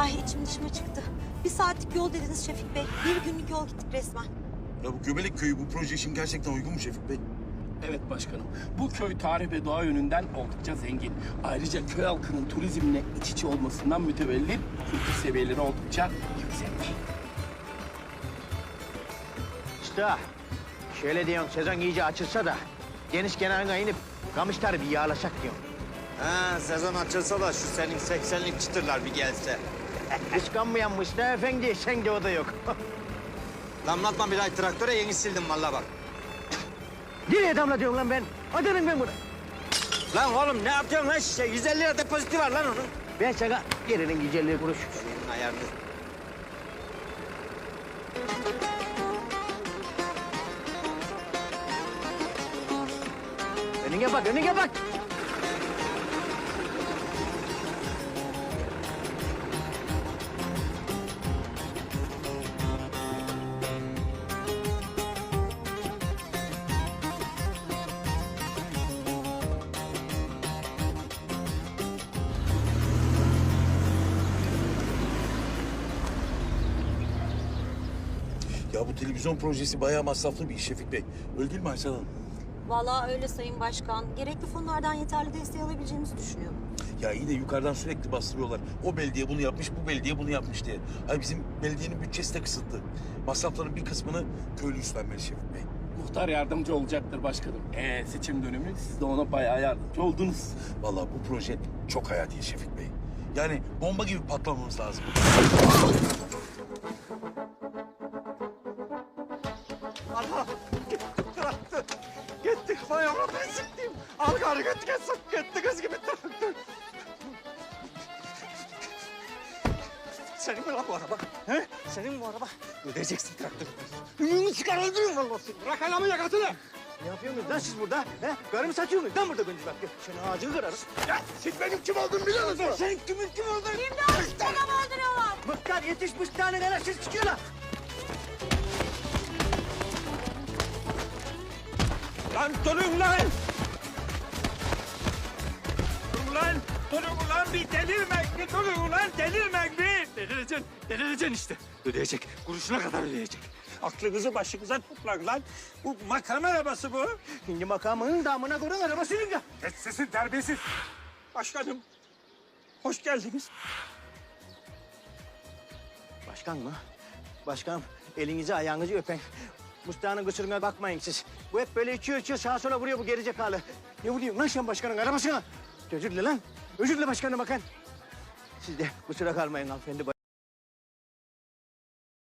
Ay içim dışıma çıktı. 1 saatlik yol dediniz Şefik Bey. 1 günlük yol gittik resmen. Ya bu Göbelek Köyü bu proje için gerçekten uygun mu Şefik Bey? Evet başkanım. Bu köy tarih ve doğa yönünden oldukça zengin. Ayrıca köy halkının turizmle iç içe olmasından mütevellit kültür seviyeleri oldukça yüksek. Usta, şöyle diyorum sezon iyice açılsa da deniz kenarına inip kamışları bir yağlasak diyorum. Ha, sezon açılsa da şu senin 80'lik çıtırlar bir gelse. Kıskanmayan Mustafa Efendi, sen de o da yok. Damlatma bir ay traktöre yeni sildim vallahi bak. Nereye damlatıyorum lan ben? Atarım ben bunu. Lan oğlum ne yapıyorsun lan şişe? 150 lira depoziti var lan onun. Ben sana yerinin güzelliği kuruş. Senin ayarını. Önüne bak, önüne bak. Ya bu televizyon projesi bayağı masraflı bir iş Şefik Bey. Öyle değil mi Aysel Hanım? Vallahi öyle Sayın Başkan. Gerekli fonlardan yeterli desteği alabileceğimizi düşünüyorum. Ya iyi de yukarıdan sürekli bastırıyorlar. O belediye bunu yapmış, bu belediye bunu yapmış diye. Ay bizim belediyenin bütçesi de kısıtlı. Masrafların bir kısmını köylü üstlenmeli Şefik Bey. Muhtar yardımcı olacaktır başkanım. Seçim dönemi siz de ona bayağı yardımcı oldunuz. Vallahi bu proje çok hayati Şefik Bey. Yani bomba gibi patlamamız lazım. Allah! Traktör! Gitti, bayağıma ben sıktım. Al karı gitti kız gibi traktör. Senin mi lan bu araba? He? Senin mi bu araba? Ödeyeceksin traktörü. Ümünü çıkar öldürürüm vallahi seni. Bırak ayağımı yakasını. Ne yapıyorsunuz lan siz burada? He? Karımı satıyorsunuz lan burada gündüz vakti. Senin ağacını kırarım. Ya siz benim kim olduğumu biliyor musun? Sen kimin kim olduğunu... İmdat! Babamı öldürüyorlar! Mıhtar yetiş mıhtarın anasını çıkıyorlar. Lan durun lan! Durun lan! Durun ulan bir delirmek bir durun ulan delirmek bir! Delireceksin işte. Ödeyecek. Kuruşuna kadar ödeyecek. Aklınızı başınıza toplayın lan. Bu makam arabası bu. Şimdi makamının damına koyun arabasının ya. Kes sesin terbiyesiz. Başkanım. Hoş geldiniz. Başkan mı? Başkanım elinizi ayağınızı öpen. Mustafa'nın kusuruna bakmayın siz. Bu hep böyle içiyor sağa sola vuruyor bu gerizekalı. Ne vuruyorsun lan sen başkanın arabasına? Özür dile lan. Özür dile başkanım bakın. Siz de kusura kalmayın hanımefendi.